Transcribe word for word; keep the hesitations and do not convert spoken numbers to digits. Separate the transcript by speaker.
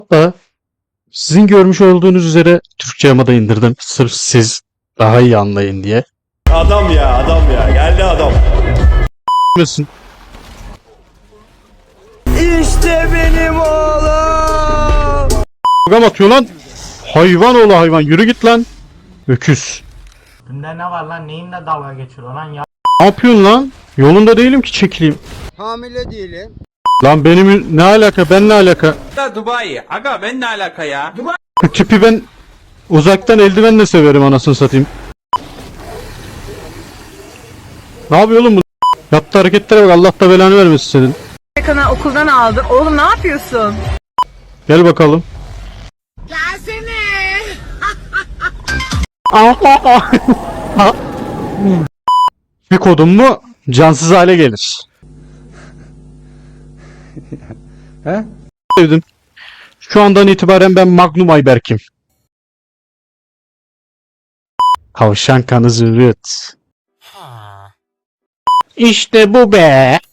Speaker 1: Da sizin görmüş olduğunuz üzere Türkçe yamada indirdim. Sırf siz daha iyi anlayın diye.
Speaker 2: Adam ya adam ya geldi adam.
Speaker 1: Bilmiyorsun.
Speaker 3: İşte benim oğlum.
Speaker 1: Program atıyor lan. Hayvan oğlu hayvan. Yürü git lan. Öküz.
Speaker 4: Bunda ne var lan? Neyinle dalga geçiyor lan ya?
Speaker 1: Ne yapıyorsun lan? Yolunda değilim ki çekileyim.
Speaker 3: Hamile değilim.
Speaker 1: Lan benim ne alaka? Ben ne alaka?
Speaker 2: Da Dubai. Aga ben ne alaka ya? Dubai.
Speaker 1: Bu tipi ben uzaktan eldivenle severim anasını satayım. Ne yapıyor oğlum bu? Yaptığı hareketlere bak, Allah da belanı vermesin senin.
Speaker 5: Kana okuldan aldım. Oğlum ne yapıyorsun?
Speaker 1: Gel bakalım.
Speaker 5: Gelsene.
Speaker 1: Bir kodum mu cansız hale gelir. He? Sevdim. Şu andan itibaren ben Magnum Ayberk'im. Kavşan kanı zürrüt. İşte bu be.